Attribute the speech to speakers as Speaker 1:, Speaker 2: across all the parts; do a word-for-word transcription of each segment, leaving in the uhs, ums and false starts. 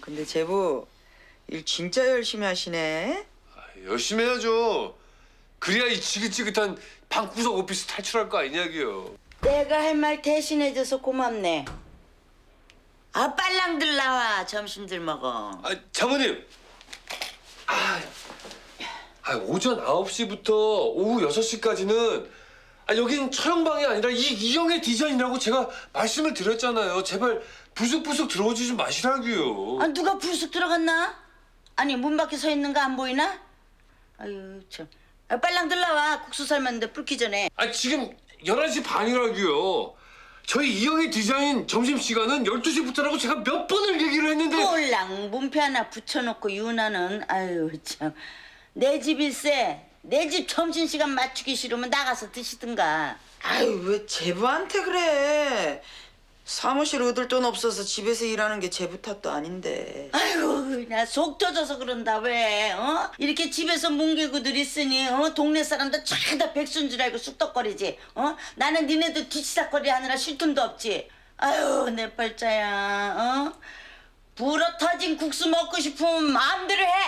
Speaker 1: 근데 제부 일 진짜 열심히 하시네.
Speaker 2: 아, 열심히 해야죠. 그래야 이 지긋지긋한 방구석 오피스 탈출할 거 아니냐고요.
Speaker 3: 내가 할 말 대신해줘서 고맙네. 아, 빨랑들 나와. 점심들 먹어.
Speaker 2: 아, 장모님. 아, 아, 오전 아홉 시부터 오후 여섯 시까지는 아, 여긴 촬영방이 아니라 이 이영애 디자인이라고 제가 말씀을 드렸잖아요. 제발 부숙부숙 들어오지 좀 마시라고요.
Speaker 3: 아, 누가 불쑥 들어갔나? 아니, 문 밖에 서 있는 거 안 보이나? 아유, 참. 아, 빨랑들 나와. 국수 삶았는데 불기 전에.
Speaker 2: 아, 지금 열한 시 반이라고요. 저희 이영애 디자인 점심시간은 열두 시부터라고 제가 몇 번을 얘기를 했는데.
Speaker 3: 꼴랑 문패 하나 붙여놓고 유나는. 아유, 참. 내 집일세. 내 집 점심시간 맞추기 싫으면 나가서 드시든가.
Speaker 1: 아유 왜 제부한테 그래? 사무실 얻을 돈 없어서 집에서 일하는 게 제부 탓도 아닌데.
Speaker 3: 아이고, 나 속 터져서 그런다. 왜? 어? 이렇게 집에서 뭉개고들 있으니 어? 동네 사람들 죄다 백수인 줄 알고 쑥덕거리지. 어? 나는 니네들 뒤치다거리 하느라 쉴 틈도 없지. 아유, 내 팔자야. 어? 불어 터진 국수 먹고 싶으면 마음대로 해.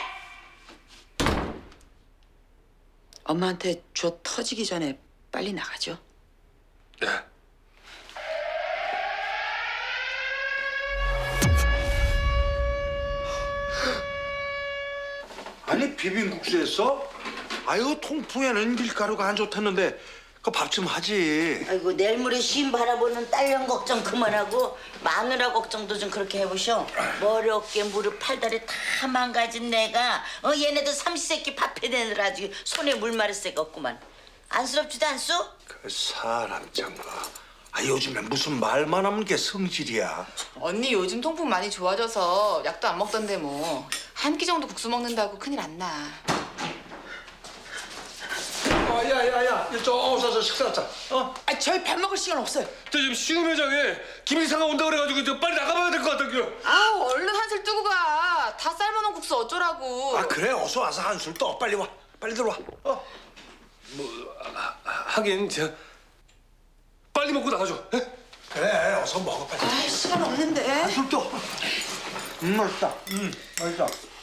Speaker 1: 엄마한테 줘 터지기 전에 빨리 나가죠.
Speaker 2: 네.
Speaker 4: 아니 비빔국수 했어? 아유 통풍에는 밀가루가 안 좋다는데 그 밥 좀 하지.
Speaker 3: 아이고, 내일 모레 시임 바라보는 딸년 걱정 그만하고 마누라 걱정도 좀 그렇게 해보셔. 머리 어깨 무릎 팔다리 다 망가진 내가 어 얘네들 삼시세끼 밥해 내느라 아주 손에 물 마를 새가 없구만. 안쓰럽지도 않소?
Speaker 4: 그 사람 장가. 아 요즘에 무슨 말만 하면 게 성질이야.
Speaker 5: 언니 요즘 통풍 많이 좋아져서 약도 안 먹던데 뭐 한 끼 정도 국수 먹는다고 큰일 안 나.
Speaker 4: 어, 야야야, 이쪽 어서 식사하자. 어?
Speaker 1: 아 저희 밥 먹을 시간 없어요.
Speaker 2: 저 지금 시음 회장에 김일상가 온다 그래가지고 저 빨리 나가봐야 될 것 같다고요.
Speaker 5: 아 얼른 한술 뜨고 가. 다 삶아놓은 국수 어쩌라고.
Speaker 4: 아 그래 어서 와서 한술 떠. 빨리 와. 빨리 들어와. 어?
Speaker 2: 하긴 제가 빨리 먹고 나가죠. 예?
Speaker 4: 그래 어서 먹어 빨리.
Speaker 1: 아 시간 없는데.
Speaker 4: 한술 떠. 음 맛있다. 음 맛있다.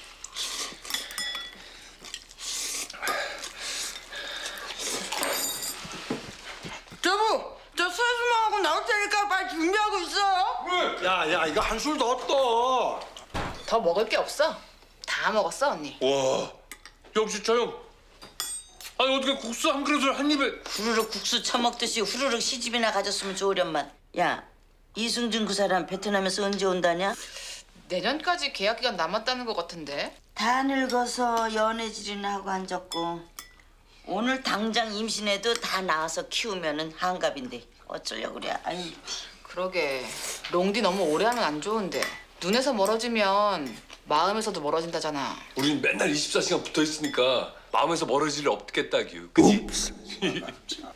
Speaker 1: 여보, 저 세수만하고 나올 테니까 빨리 준비하고 있어.
Speaker 4: 야야 이거 한술 더 떠.
Speaker 5: 더 먹을 게 없어. 다 먹었어 언니.
Speaker 2: 와, 역시 저 형. 아니 어떻게 국수 한 그릇을 한 입에.
Speaker 3: 후루룩 국수 처먹듯이 후루룩 시집이나 가졌으면 좋으련만. 야, 이승준 그 사람 베트남에서 언제 온다냐?
Speaker 5: 내년까지 계약 기간 남았다는 것 같은데.
Speaker 3: 다 늙어서 연애질이나 하고 앉았고 오늘 당장 임신해도 다 낳아서 키우면은 한갑인데 어쩌려고 그래. 아유.
Speaker 5: 그러게 롱디 너무 오래 하면 안 좋은데 눈에서 멀어지면 마음에서도 멀어진다잖아.
Speaker 2: 우린 맨날 이십사 시간 붙어 있으니까 마음에서 멀어질 일 없겠다규. 그치?